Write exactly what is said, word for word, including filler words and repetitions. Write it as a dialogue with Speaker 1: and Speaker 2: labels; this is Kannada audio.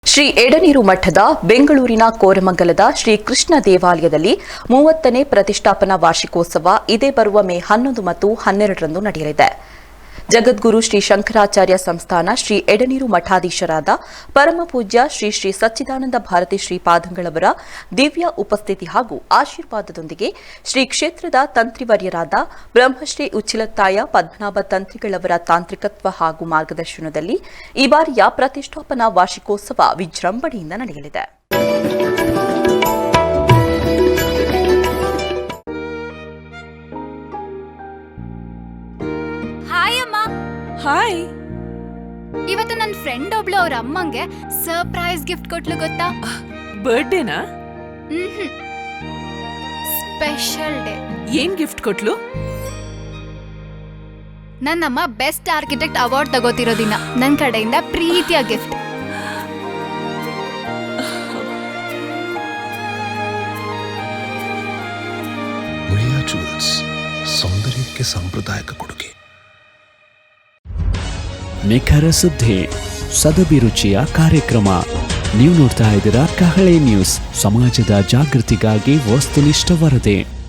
Speaker 1: ಶ್ರೀ ಎಡನೀರು ಮಠದ ಬೆಂಗಳೂರಿನ ಕೋರಮಂಗಲದ ಶ್ರೀ ಕೃಷ್ಣ ದೇವಾಲಯದಲ್ಲಿ ಮೂವತ್ತನೇ ಪ್ರತಿಷ್ಠಾಪನಾ ವಾರ್ಷಿಕೋತ್ಸವ ಇದೇ ಬರುವ ಮೇ ಹನ್ನೊಂದು ಮತ್ತು ಹನ್ನೆರಡರಂದು ನಡೆಯಲಿದೆ. ಜಗದ್ಗುರು ಶ್ರೀ ಶಂಕರಾಚಾರ್ಯ ಸಂಸ್ಥಾನ ಶ್ರೀ ಎಡನೀರು ಮಠಾಧೀಶರಾದ ಪರಮಪೂಜ್ಯ ಶ್ರೀ ಶ್ರೀ ಸಚ್ಚಿದಾನಂದ ಭಾರತಿ ಶ್ರೀಪಾದಂಗಳವರ ದಿವ್ಯ ಉಪಸ್ಥಿತಿ ಹಾಗೂ ಆಶೀರ್ವಾದದೊಂದಿಗೆ ಶ್ರೀ ಕ್ಷೇತ್ರದ ತಂತ್ರಿವರ್ಯರಾದ ಬ್ರಹ್ಮಶ್ರೀ ಉಚ್ಚಿಲತ್ತಾಯ ಪದ್ಮನಾಭ ತಂತ್ರಿಗಳವರ ತಾಂತ್ರಿಕತ್ವ ಹಾಗೂ ಮಾರ್ಗದರ್ಶನದಲ್ಲಿ ಈ ಬಾರಿಯ ಪ್ರತಿಷ್ಠಾಪನಾ ವಾರ್ಷಿಕೋತ್ಸವ ವಿಜೃಂಭಣೆಯಿಂದ ನಡೆಯಲಿದೆ.
Speaker 2: ಹಾಯ್,
Speaker 3: ಇವತ್ತು ನನ್ನ ಫ್ರೆಂಡ್ ಒಬ್ಳು ಅವ್ರ ಅಮ್ಮಂಗೆ ಸರ್ಪ್ರೈಸ್ ಗಿಫ್ಟ್ ಕೊಟ್ಲು ಗೊತ್ತಾ?
Speaker 2: ಬರ್ಡೇನಾ?
Speaker 3: Special day.
Speaker 2: ಏನ್ ಗಿಫ್ಟ್ ಕೊಟ್ಲು?
Speaker 3: ನನ್ನಮ್ಮ ಬೆಸ್ಟ್ ಆರ್ಕಿಟೆಕ್ಟ್ ಅವಾರ್ಡ್ ತಗೋತಿರೋ ದಿನ ನನ್ನ ಕಡೆಯಿಂದ ಪ್ರೀತಿಯ ಗಿಫ್ಟ್.
Speaker 4: ಉಳಿಯಾ ಜುವೆಲ್ಸ್, ಸೌಂದರ್ಯಕ್ಕೆ ಸಾಂಪ್ರದಾಯಿಕ ಕೊಡುಗೆ.
Speaker 5: ನಿಖರ ಸುದ್ದಿ, ಸದಭಿರುಚಿಯ ಕಾರ್ಯಕ್ರಮ. ನೀವು ನೋಡ್ತಾ ಇದ್ದೀರಾ ಕಹಳೆ ನ್ಯೂಸ್, ಸಮಾಜದ ಜಾಗೃತಿಗಾಗಿ ವಸ್ತುನಿಷ್ಠ ವರದಿ.